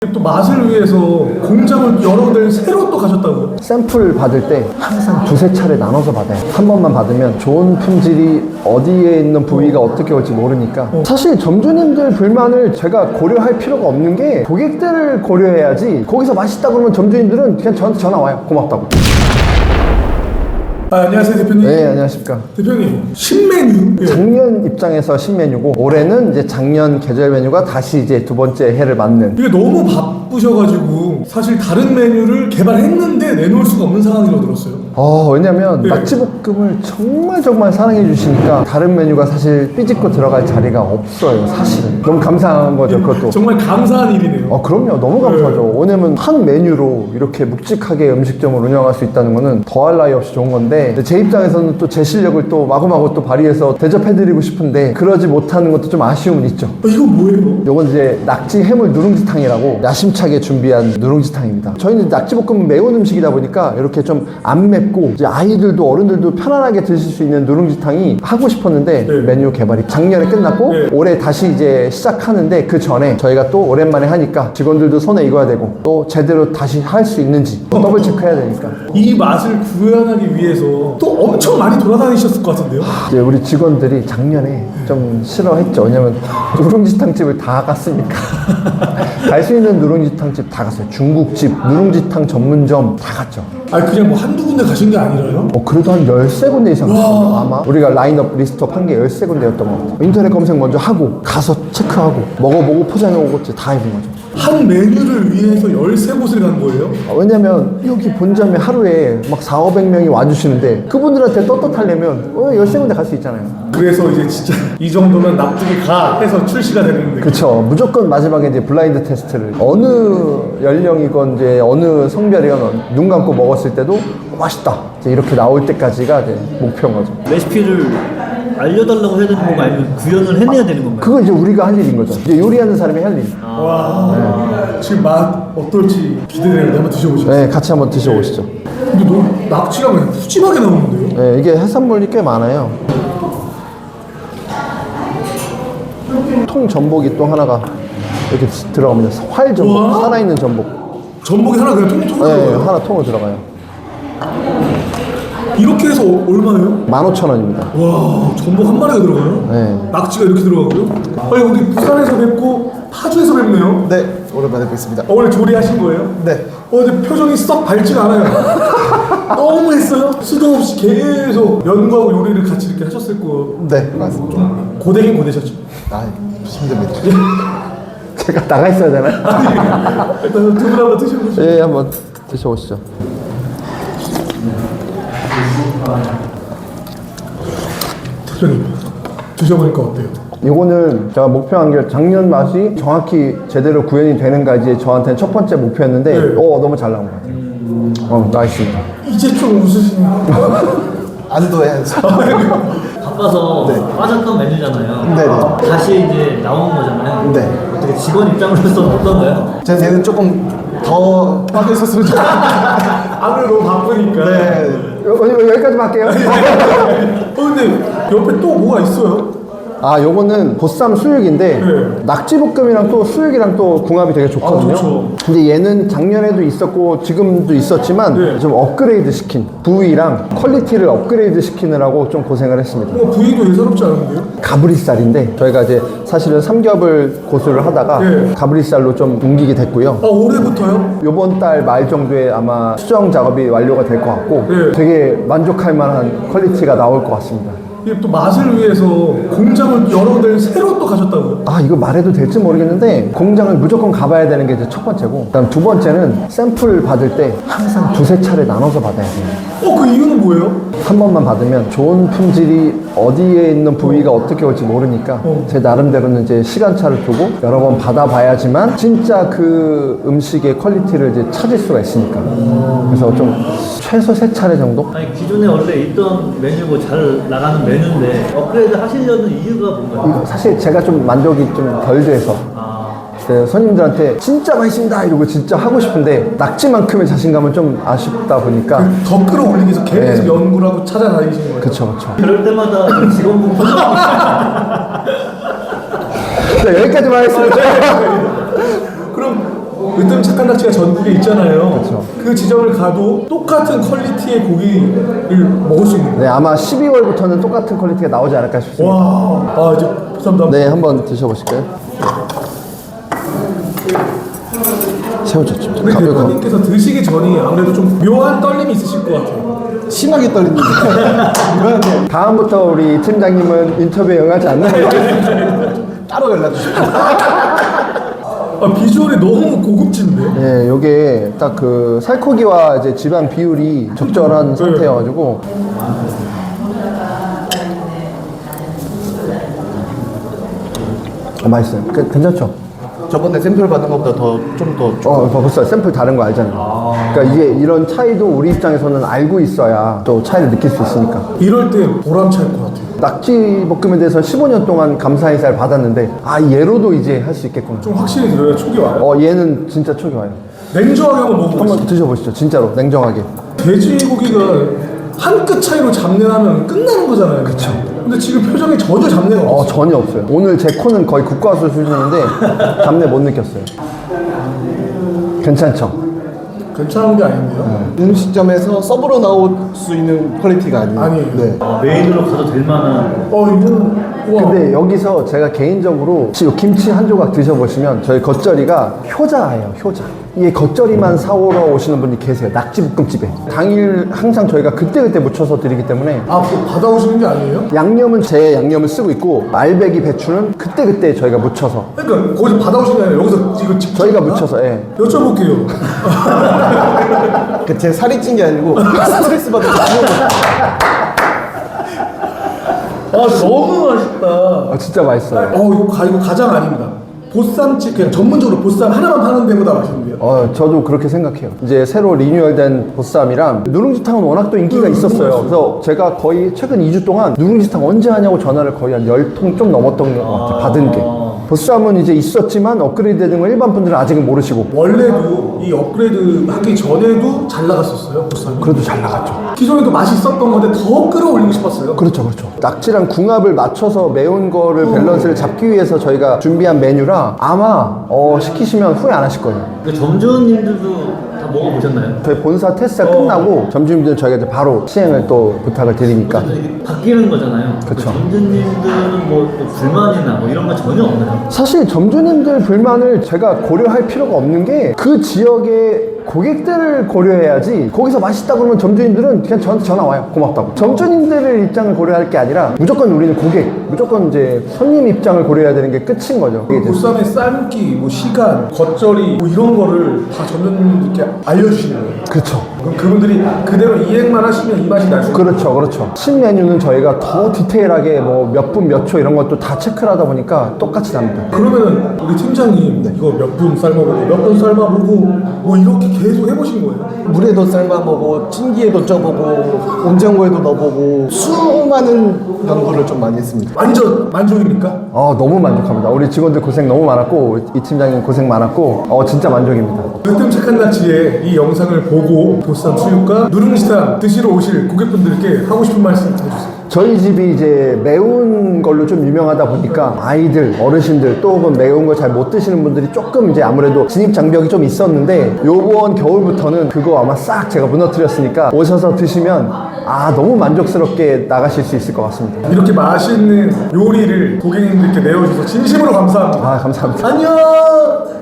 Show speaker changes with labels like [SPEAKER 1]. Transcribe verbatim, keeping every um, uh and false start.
[SPEAKER 1] 또 맛을 위해서 공장을 여러 군데를 새로 또 가셨다고요?
[SPEAKER 2] 샘플 받을 때 항상 두세 차례 나눠서 받아요. 한 번만 받으면 좋은 품질이 어디에 있는 부위가 어떻게 올지 모르니까
[SPEAKER 1] 어.
[SPEAKER 2] 사실 점주님들 불만을 제가 고려할 필요가 없는 게 고객들을 고려해야지. 거기서 맛있다 그러면 점주님들은 그냥 저한테 전화 와요. 고맙다고.
[SPEAKER 1] 아, 안녕하세요 대표님.
[SPEAKER 2] 네, 안녕하십니까.
[SPEAKER 1] 대표님 신메뉴. 예.
[SPEAKER 2] 작년 입장에서 신메뉴고 올해는 이제 작년 계절 메뉴가 다시 이제 두 번째 해를 맞는.
[SPEAKER 1] 이게 너무 바쁘셔가지고 사실 다른 메뉴를 개발했는데 내놓을 수가 없는 상황이라고 들었어요.
[SPEAKER 2] 어, 왜냐면
[SPEAKER 1] 네.
[SPEAKER 2] 낙지볶음을 정말 정말 사랑해 주시니까 다른 메뉴가 사실 삐집고 들어갈 자리가 없어요. 사실은 너무 감사한 거죠. 그것도.
[SPEAKER 1] 정말 감사한 일이네요.
[SPEAKER 2] 어, 그럼요. 너무 감사하죠. 왜냐면 한 메뉴로 이렇게 묵직하게 음식점을 운영할 수 있다는 거는 더할 나위 없이 좋은 건데, 근데 제 입장에서는 또 제 실력을 또 마구마구 또 발휘해서 대접해드리고 싶은데 그러지 못하는 것도 좀 아쉬움은 있죠.
[SPEAKER 1] 어, 이거 뭐예요?
[SPEAKER 2] 요건 이제 낙지 해물 누룽지탕이라고 야심차게 준비한 누룽지탕입니다. 저희는 낙지볶음은 매운 음식이다 보니까 이렇게 좀 안 맵고 이제 아이들도 어른들도 편안하게 드실 수 있는 누룽지탕이 하고 싶었는데
[SPEAKER 1] 네.
[SPEAKER 2] 메뉴 개발이 작년에 끝났고
[SPEAKER 1] 네.
[SPEAKER 2] 올해 다시 이제 시작하는데 그 전에 저희가 또 오랜만에 하니까 직원들도 손에 익어야 되고 또 제대로 다시 할 수 있는지 또 더블 체크해야 되니까
[SPEAKER 1] 이 맛을 구현하기 위해서 또 엄청 많이 돌아다니셨을 것 같은데요?
[SPEAKER 2] 이제 우리 직원들이 작년에 좀 싫어했죠. 왜냐면 누룽지탕 집을 다 갔으니까. 갈 수 있는 누룽지탕 집 다 갔어요. 중국집, 누룽지탕 전문점 다 갔죠.
[SPEAKER 1] 아니 그냥 뭐 한두 군데 가신 게 아니라요?
[SPEAKER 2] 어, 그래도 한 열세 군데 이상 갔어요. 아마 우리가 라인업 리스트업 한 게 열세 군데였던 것 같아요. 인터넷 검색 먼저 하고 가서 체크하고 먹어보고 포장해오고 다 해본 거죠.
[SPEAKER 1] 한 메뉴를 위해서 열세 곳을 간 거예요?
[SPEAKER 2] 아, 왜냐면 여기 본점에 하루에 막 사오백 명이 와주시는데 그분들한테 떳떳하려면 어, 열세 군데 갈 수 있잖아요.
[SPEAKER 1] 그래서 이제 진짜 이 정도면 납득이 가 해서 출시가 되는데.
[SPEAKER 2] 그쵸. 무조건 마지막에 이제 블라인드 테스트를 어느 연령이건 이제 어느 성별이건 눈 감고 먹었을 때도 어, 맛있다 이제 이렇게 나올 때까지가 이제 목표인 거죠.
[SPEAKER 3] 레시피를 알려달라고 해야 되는 건가 아니면 구현을 해내야 되는 건가요?
[SPEAKER 2] 그건 이제 우리가 할 일인 거죠. 이제 요리하는 사람이 할 일.
[SPEAKER 1] 와 지금 맛 어떨지 기대되는데 한번 드셔보시죠.
[SPEAKER 2] 네, 같이 한번 드셔보시죠.
[SPEAKER 1] 근데 너무 낙지가 그냥 푸짐하게 나오는데요?
[SPEAKER 2] 네, 이게 해산물이 꽤 많아요. 통 전복이 또 하나가 이렇게 들어갑니다. 활 전복,
[SPEAKER 1] 우와.
[SPEAKER 2] 살아있는 전복.
[SPEAKER 1] 전복이 하나 그냥 통통
[SPEAKER 2] 네,
[SPEAKER 1] 들어가요?
[SPEAKER 2] 하나 통으로 들어가요.
[SPEAKER 1] 이렇게 해서 어- 얼마예요?
[SPEAKER 2] 만 오천 원입니다.
[SPEAKER 1] 와 전복 한 마리가 들어가요?
[SPEAKER 2] 네.
[SPEAKER 1] 낙지가 이렇게 들어가고요? 아니 여기 부산에서 뵙고 파주에서 뵙네요?
[SPEAKER 4] 네, 오랜만에 뵙겠습니다.
[SPEAKER 1] 어, 오늘 조리하신 거예요?
[SPEAKER 4] 네.
[SPEAKER 1] 어 근데 표정이 썩 밝지가 않아요. 너무 했어요? 수도 없이 계속 연구하고 요리를 같이 이렇게 하셨을 거.
[SPEAKER 4] 네, 맞습니다.
[SPEAKER 1] 고되긴 고되셨죠?
[SPEAKER 4] 아, 힘듭니다.
[SPEAKER 2] 제가 나가 있어야 되나요?
[SPEAKER 1] 일단 두 분 한번 드셔보시죠.
[SPEAKER 2] 예, 한번 드셔보시죠.
[SPEAKER 1] 대표님 드셔보니까 어때요?
[SPEAKER 2] 이거는 제가 목표한 게 작년 맛이 정확히 제대로 구현이 되는가 이제 저한테는 첫 번째 목표였는데
[SPEAKER 1] 네.
[SPEAKER 2] 어 너무 잘 나온 것 같아요. 어 나이스입니다.
[SPEAKER 1] 이제 좀 웃으시네요.
[SPEAKER 4] 안도해야죠.
[SPEAKER 3] 바빠서 빠졌던 메뉴잖아요.
[SPEAKER 4] 네네.
[SPEAKER 3] 다시 이제 나온 거잖아요.
[SPEAKER 4] 네.
[SPEAKER 3] 어떻게 직원 입장으로서는 어떤가요?
[SPEAKER 4] 제 얘는 조금 더 빠져 있었으면 좋겠어요.
[SPEAKER 1] 아무래도 너무 바쁘니까.
[SPEAKER 4] 네.
[SPEAKER 2] 여, 여, 여기까지만 할게요.
[SPEAKER 1] 어 근데 옆에 또 뭐가 있어요?
[SPEAKER 2] 아 요거는 보쌈 수육인데
[SPEAKER 1] 네.
[SPEAKER 2] 낙지볶음이랑 또 수육이랑 또 궁합이 되게 좋거든요.
[SPEAKER 1] 아, 좋죠.
[SPEAKER 2] 근데 얘는 작년에도 있었고 지금도 있었지만
[SPEAKER 1] 네.
[SPEAKER 2] 좀 업그레이드 시킨 부위랑 퀄리티를 업그레이드 시키느라고 좀 고생을 했습니다.
[SPEAKER 1] 뭐 부위도 예사롭지 않은데요?
[SPEAKER 2] 가브리살인데 저희가 이제 사실은 삼겹을 고수를 하다가
[SPEAKER 1] 네.
[SPEAKER 2] 가브리살로 좀 옮기게 됐고요.
[SPEAKER 1] 아 올해부터요?
[SPEAKER 2] 요번 달 말 정도에 아마 수정 작업이 완료가 될 것 같고
[SPEAKER 1] 네.
[SPEAKER 2] 되게 만족할 만한 퀄리티가 나올 것 같습니다.
[SPEAKER 1] 이게 또 맛을 위해서 공장을 여러 군데를 새로 또 가셨다고요?
[SPEAKER 2] 아 이거 말해도 될지 모르겠는데 공장을 무조건 가봐야 되는 게 이제 첫 번째고 그다음 두 번째는 샘플 받을 때 항상 두세 차례 나눠서 받아야 돼요.
[SPEAKER 1] 어 그 이유는 뭐예요?
[SPEAKER 2] 한 번만 받으면 좋은 품질이 어디에 있는 부위가 어떻게 올지 모르니까
[SPEAKER 1] 어.
[SPEAKER 2] 제 나름대로는 이제 시간차를 두고 여러 번 받아봐야지만 진짜 그 음식의 퀄리티를 이제 찾을 수가 있으니까 그래서 좀 최소 세 차례 정도?
[SPEAKER 3] 아니 기존에 원래 있던 메뉴고 잘 나가는 메뉴인데 업그레이드 하시려는 이유가 뭔가요?
[SPEAKER 2] 이거 사실 제가 좀 만족이 좀 덜 돼서
[SPEAKER 3] 아,
[SPEAKER 2] 네, 손님들한테 진짜 맛있습니다 이러고 진짜 하고 싶은데 낙지만큼의 자신감은 좀 아쉽다 보니까
[SPEAKER 1] 더 끌어올리기 위해서 계속
[SPEAKER 2] 네.
[SPEAKER 1] 연구를 하고 찾아다니신 거예요?
[SPEAKER 2] 그쵸 그쵸.
[SPEAKER 3] 그럴 때마다 좀 직원분 표정이
[SPEAKER 2] 네, 여기까지만 하겠습니다.
[SPEAKER 1] 그럼 으뜸 착한 낙지가 전국에 있잖아요.
[SPEAKER 2] 그쵸.
[SPEAKER 1] 그 지점을 가도 똑같은 퀄리티의 고기를 먹을 수 있는 거예요.
[SPEAKER 2] 네, 아마 십이월부터는 똑같은 퀄리티가 나오지 않을까 싶습니다.
[SPEAKER 1] 와, 아 이제 보쌈도 한번.
[SPEAKER 2] 네, 한번 드셔보실까요? 새우젓 좀
[SPEAKER 1] 근데
[SPEAKER 2] 가볍고.
[SPEAKER 1] 대표님께서 드시기 전이 아무래도 좀 묘한 떨림이 있으실 것 같아요.
[SPEAKER 4] 심하게 떨립니다. 이거는
[SPEAKER 2] 다음부터 우리 팀장님은 인터뷰에 응하지 않나요?
[SPEAKER 4] 따로 연락 주십시오.
[SPEAKER 1] 아, 비주얼이 너무 고급진데.
[SPEAKER 2] 네, 요게 딱 그 살코기와 이제 지방 비율이 적절한 상태여가지고. 어, 맛있어요. 그, 괜찮죠?
[SPEAKER 4] 저번에 샘플 받은 것보다 더 좀 더
[SPEAKER 2] 어, 벌써 샘플 다른 거 알잖아요. 그러니까 이게 이런 차이도 우리 입장에서는 알고 있어야 또 차이를 느낄 수 있으니까.
[SPEAKER 1] 이럴 때 보람찰 것 같아요.
[SPEAKER 2] 낙지 볶음에 대해서 십오 년 동안 감사 인사를 받았는데 아 얘로도 이제 할 수 있겠구나.
[SPEAKER 1] 좀 확실히 들어야 촉이 와요.
[SPEAKER 2] 어 얘는 진짜 촉이 와요.
[SPEAKER 1] 냉정하게 한번 먹어보겠습니다.
[SPEAKER 2] 한번 드셔보시죠. 진짜로 냉정하게.
[SPEAKER 1] 돼지고기가 한 끗 차이로 잡내하면 끝나는 거잖아요. 그쵸. 근데 지금 표정에 전혀 잡내가
[SPEAKER 2] 어
[SPEAKER 1] 없어요.
[SPEAKER 2] 전혀 없어요. 오늘 제 코는 거의 국과수 수준인데 잡내 못 느꼈어요. 괜찮죠?
[SPEAKER 1] 괜찮은 게 아닌데요.
[SPEAKER 4] 음식점에서 서브로 나올 수 있는 퀄리티가 아니에요.
[SPEAKER 1] 아니에요.
[SPEAKER 4] 네.
[SPEAKER 3] 아, 메인으로 가도 될 만한.
[SPEAKER 1] 어, 이거는 우와.
[SPEAKER 2] 근데 여기서 제가 개인적으로 혹시 요 김치 한 조각 드셔보시면 저희 겉절이가 효자예요. 효자. 이게 겉절이만 사오러 오시는 분이 계세요. 낙지볶음집에. 당일 항상 저희가 그때그때 묻혀서 드리기 때문에
[SPEAKER 1] 아, 뭐 받아오시는 게 아니에요?
[SPEAKER 2] 양념은 제 양념을 쓰고 있고 알배기 배추는 그때그때 저희가 묻혀서
[SPEAKER 1] 그러니까 거기서 받아오신 게 아니라 여기서 이거 직접
[SPEAKER 2] 저희가
[SPEAKER 1] 받나?
[SPEAKER 2] 묻혀서 예.
[SPEAKER 1] 여쭤볼게요.
[SPEAKER 4] 그 제 살이 찐 게 아니고 스트레스 받아서 죽는 거.
[SPEAKER 1] 아, 너무 맛있다.
[SPEAKER 2] 어, 진짜 맛있어요.
[SPEAKER 1] 어, 이거, 가, 이거 가장 아닙니다. 보쌈집 그냥 전문적으로 보쌈 하나만 파는 데보다 맛있는데요.
[SPEAKER 2] 어, 저도 그렇게 생각해요. 이제 새로 리뉴얼된 보쌈이랑 누룽지탕은 워낙 또 인기가
[SPEAKER 1] 음,
[SPEAKER 2] 있었어요.
[SPEAKER 1] 너무
[SPEAKER 2] 그래서 제가 거의 최근 이 주 동안 누룽지탕 언제 하냐고 전화를 거의 한 열 통 좀 넘었던 것 같아요. 받은 게. 보쌈은 이제 있었지만 업그레이드 되는 걸 일반 분들은 아직은 모르시고.
[SPEAKER 1] 원래도 이 업그레이드 하기 전에도 잘 나갔었어요, 보쌈이.
[SPEAKER 2] 그래도 잘 나갔죠.
[SPEAKER 1] 기존에도 맛이 있었던 건데 더 끌어올리고 싶었어요.
[SPEAKER 2] 그렇죠, 그렇죠. 낙지랑 궁합을 맞춰서 매운 거를 밸런스를 잡기 위해서 저희가 준비한 메뉴라 아마 어, 시키시면 후회 안 하실 거예요.
[SPEAKER 3] 그 점주님들도 다 먹어보셨나요?
[SPEAKER 2] 저희 본사 테스트가 끝나고 점주님들은 저희가 이제 바로 시행을 또 부탁을 드리니까.
[SPEAKER 3] 이게 바뀌는 거잖아요.
[SPEAKER 2] 그쵸.
[SPEAKER 3] 그 점주님들은 뭐 또 불만이나 뭐 이런 거 전혀 없나요?
[SPEAKER 2] 사실 점주님들 불만을 제가 고려할 필요가 없는 게 그 지역의 고객들을 고려해야지. 거기서 맛있다 그러면 점주님들은 그냥 저한테 전화 와요. 고맙다고. 점주님들의 입장을 고려할 게 아니라 무조건 우리는 고객, 무조건 이제 손님 입장을 고려해야 되는 게 끝인 거죠.
[SPEAKER 1] 그 보쌈의 삶기, 뭐 시간, 겉절이 뭐 이런 거를 다 점주님들께 알려주시는 거예요.
[SPEAKER 2] 그렇죠.
[SPEAKER 1] 그럼 그분들이 그대로 이행만 하시면 이 맛이 날 수 있어요.
[SPEAKER 2] 그렇죠, 그렇죠. 신메뉴는 저희가 더 디테일하게 뭐 몇 분 몇 초 이런 것도 다 체크를 하다 보니까 똑같이 납니다.
[SPEAKER 1] 그러면은 우리 팀장님 이거 몇 분 삶아보고 몇 분 삶아보고 뭐 이렇게 계속 해보신 거예요?
[SPEAKER 4] 물에도 삶아보고 찜기에도 쪄보고 온장고에도 넣어보고 수많은 연구를 좀 많이 했습니다.
[SPEAKER 1] 완전 만족입니까?
[SPEAKER 2] 아 너무 만족합니다. 우리 직원들 고생 너무 많았고 이 팀장님 고생 많았고 어 진짜 만족입니다.
[SPEAKER 1] 으뜸 착한 낙지의 이 영상을 보고 보쌈 수육과 누룽지탕 드시러 오실 고객분들께 하고 싶은 말씀 해주세요.
[SPEAKER 2] 저희 집이 이제 매운 걸로 좀 유명하다 보니까 아이들, 어르신들 또 혹은 매운 거 잘 못 드시는 분들이 조금 이제 아무래도 진입 장벽이 좀 있었는데 요번 겨울부터는 그거 아마 싹 제가 무너뜨렸으니까 오셔서 드시면 아 너무 만족스럽게 나가실 수 있을 것 같습니다.
[SPEAKER 1] 이렇게 맛있는 요리를 고객님들께 내어주셔서 진심으로 감사합니다.
[SPEAKER 2] 아 감사합니다.
[SPEAKER 1] 안녕!